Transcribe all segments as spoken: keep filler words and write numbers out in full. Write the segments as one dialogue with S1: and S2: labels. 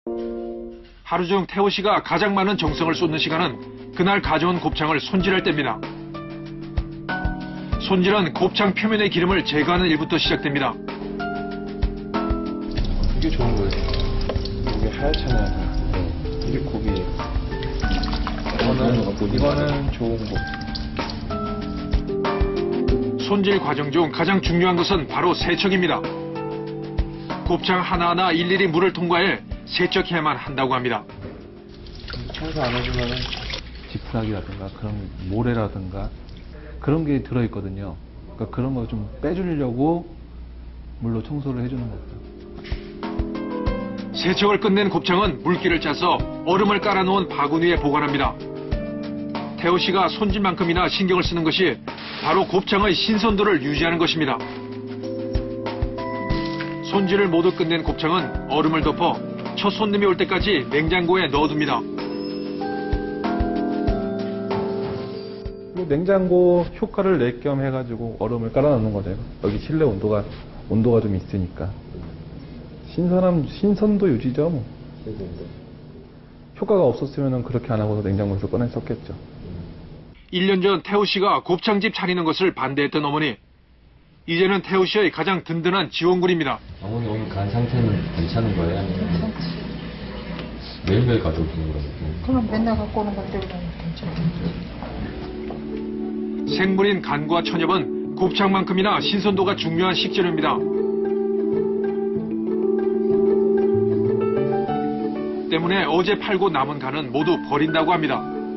S1: 하루 중 태호 씨가 가장 많은 정성을 쏟는 시간은 그날 가져온 곱창을 손질할 때입니다. 손질은 곱창 표면의 기름을 제거하는 일부터 시작됩니다.
S2: 이게 좋은 거예요. 이게 하얗잖아요. 네. 이게 고기예요. 이거는, 이거는 좋은 거.
S1: 손질 과정 중 가장 중요한 것은 바로 세척입니다. 곱창 하나하나 일일이 물을 통과해 세척해야만 한다고 합니다.
S2: 청소 안 해주면은
S3: 지푸라기라든가 그런 모래라든가 그런 게 들어있거든요. 그러니까 그런 거 좀 빼주려고 물로 청소를 해주는 거죠.
S1: 세척을 끝낸 곱창은 물기를 짜서 얼음을 깔아놓은 바구니 위에 보관합니다. 태호 씨가 손질만큼이나 신경을 쓰는 것이 바로 곱창의 신선도를 유지하는 것입니다. 손질을 모두 끝낸 곱창은 얼음을 덮어 첫 손님이 올 때까지 냉장고에 넣어둡니다.
S3: 냉장고 효과를 낼 겸 해가지고 얼음을 깔아놓는 거죠. 여기 실내 온도가 온도가 좀 있으니까 신선함 신선도 유지죠. 뭐. 효과가 없었으면 그렇게 안 하고서 냉장고에서 꺼냈었겠죠.
S1: 일 년 전 태호 씨가 곱창집 차리는 것을 반대했던 어머니. 이제는 태호 씨의 가장 든든한 지원군입니다.
S4: 어머니 오늘 간 상태는 괜찮은 거예요? 아니면
S5: 괜찮지.
S4: 매일매일 가져오시는 거라고?
S5: 그럼 맨날 갖고 오는 건데 그냥 괜찮지.
S1: 생물인 간과 천엽은 곱창만큼이나 신선도가 중요한 식재료입니다. 때문에 어제 팔고 남은 간은 모두 버린다고 합니다.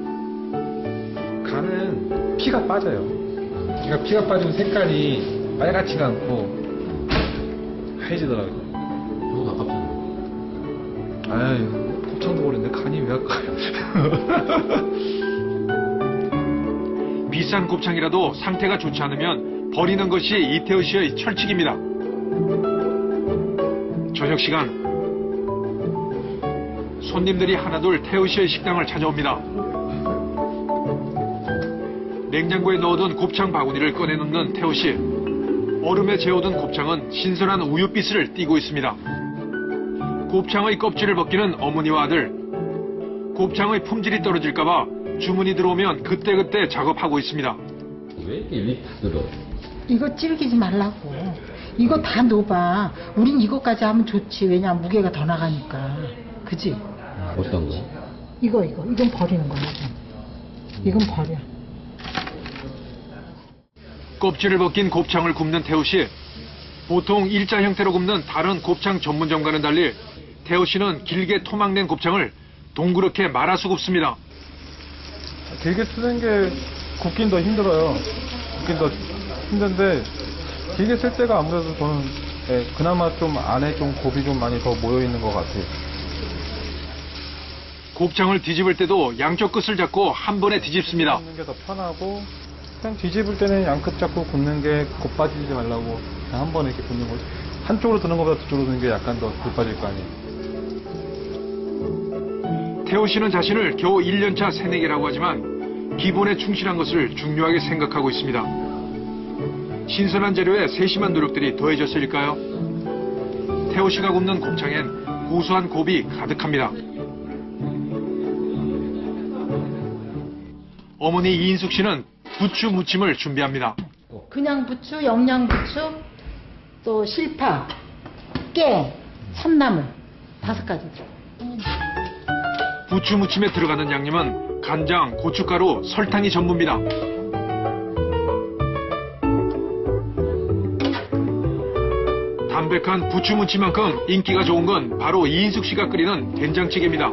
S2: 간은 피가 빠져요. 그러니까 피가 빠지면 색깔이 빨갛지가 않고 하얘지더라고요.
S4: 너무 아깝잖아요.
S2: 아유, 곱창도 버렸는데 간이 왜 아까요?
S1: 비싼 곱창이라도 상태가 좋지 않으면 버리는 것이 이태호 씨의 철칙입니다. 저녁 시간 손님들이 하나둘 태호 씨의 식당을 찾아옵니다. 냉장고에 넣어둔 곱창 바구니를 꺼내놓는 태호 씨. 얼음에 재워둔 곱창은 신선한 우유빛을 띠고 있습니다. 곱창의 껍질을 벗기는 어머니와 아들. 곱창의 품질이 떨어질까봐 주문이 들어오면 그때그때 작업하고 있습니다.
S4: 왜 이렇게 일일이 다 들어?
S5: 이거 질기지 말라고. 이거 다 넣어봐. 우린 이거까지 하면 좋지. 왜냐 무게가 더 나가니까. 그지?
S4: 어떤 거?
S5: 이거 이거 이건 버리는 거야. 이건 버려.
S1: 껍질을 벗긴 곱창을 굽는 태호 씨. 보통 일자 형태로 굽는 다른 곱창 전문점과는 달리 태호 씨는 길게 토막낸 곱창을 동그랗게 말아서 굽습니다.
S3: 길게 쓰는 게 굽긴 더 힘들어요. 굽긴 더 힘든데 길게 쓸 때가 아무래도 저는 예, 그나마 좀 안에 좀 곱이 좀 많이 더 모여 있는 것 같아요.
S1: 곱창을 뒤집을 때도 양쪽 끝을 잡고 한 번에 뒤집습니다.
S3: 굽는 게 더 편하고 그냥 뒤집을 때는 양끝 잡고 굽는 게 곱 빠지지 말라고 그냥 한 번에 이렇게 굽는 거죠. 한쪽으로 드는 것보다 뒤쪽으로 드는 게 약간 더 곱 빠질 거 아니에요.
S1: 태호 씨는 자신을 겨우 일 년 차 새내기라고 하지만 기본에 충실한 것을 중요하게 생각하고 있습니다. 신선한 재료에 세심한 노력들이 더해졌을까요? 태호 씨가 굽는 곱창엔 고소한 곱이 가득합니다. 어머니 이인숙 씨는 부추 무침을 준비합니다.
S5: 그냥 부추, 영양 부추, 또 실파, 깨, 참나물 다섯 가지.
S1: 부추 무침에 들어가는 양념은 간장, 고춧가루, 설탕이 전부입니다. 담백한 부추 무침만큼 인기가 좋은 건 바로 이인숙 씨가 끓이는 된장찌개입니다.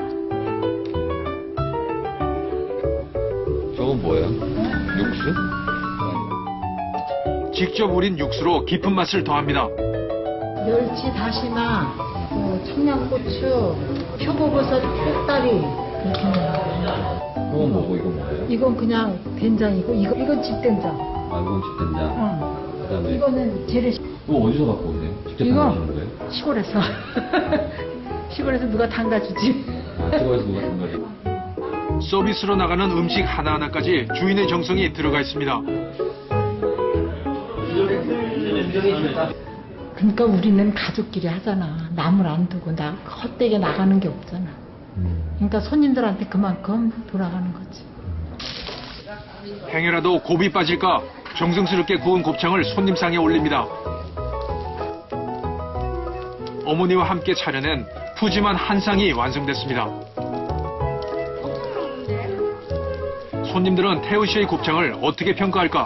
S4: 저건 뭐야? 육수?
S1: 직접 우린 육수로 깊은 맛을 더합니다.
S5: 멸치, 다시마, 어, 청양고추, 표고버섯, 꼭다리 이렇게 넣어요.
S4: 저건 뭐고 이건 뭐예요?
S5: 이건 그냥 된장이고 이거 이건 집된장.
S4: 아 이건 집된장.
S5: 어.
S4: 그다음에
S5: 이거는 재료.
S4: 이거 어디서 갖고 오세요? 직접
S5: 이거
S4: 담그시는 거예요?
S5: 시골에서 시골에서 누가 담가주지.
S4: 아 시골에서 누가 담가요?
S1: 서비스로 나가는 음식 하나하나까지 주인의 정성이 들어가 있습니다.
S5: 그러니까 우리는 가족끼리 하잖아. 남을 안 두고 나 헛되게 나가는 게 없잖아. 그러니까 손님들한테 그만큼 돌아가는 거지.
S1: 행여라도 곱이 빠질까 정성스럽게 구운 곱창을 손님상에 올립니다. 어머니와 함께 차려낸 푸짐한 한상이 완성됐습니다. 손님들은 태우 씨의 곱창을 어떻게 평가할까?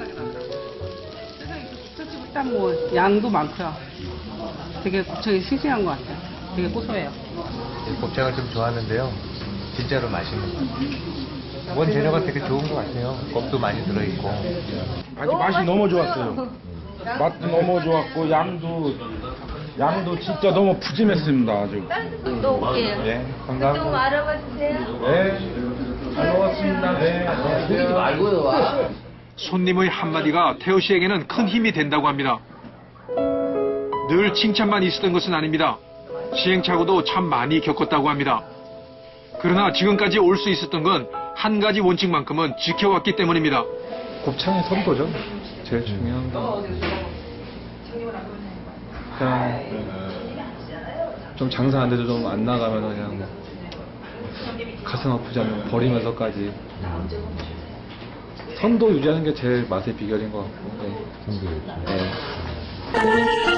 S6: 일단 뭐 양도 많고요. 되게 곱창이 싱싱한 것 같아요. 되게 고소해요.
S7: 곱창을 좀 좋아하는데요. 진짜로 맛있는 것 같아요. 원 재료가 되게 좋은 것 같아요. 껍도 많이 들어있고.
S2: 아주 맛이 너무 좋았어요. 맛도 너무 좋았고 양도 양도 진짜 너무 푸짐했습니다. 아주.
S8: 또 올게요.
S2: 예,
S8: 좀
S2: 감사합니다.
S8: 알아봐 주세요.
S2: 네, 잘 먹었습니다. 네, 안녕하세요.
S1: 손님의 한마디가 태우 씨에게는 큰 힘이 된다고 합니다. 늘 칭찬만 있었던 것은 아닙니다. 시행착오도 참 많이 겪었다고 합니다. 그러나 지금까지 올 수 있었던 건 한 가지 원칙만큼은 지켜왔기 때문입니다.
S3: 곱창의 선도죠. 제일 중요한 건. 그냥 좀 장사 안 돼도 좀 안 나가면 그냥 뭐 가슴 아프지 않으면 버리면서까지 선도 유지하는 게 제일 맛의 비결인 것 같고. 네.
S4: 선도
S3: 네.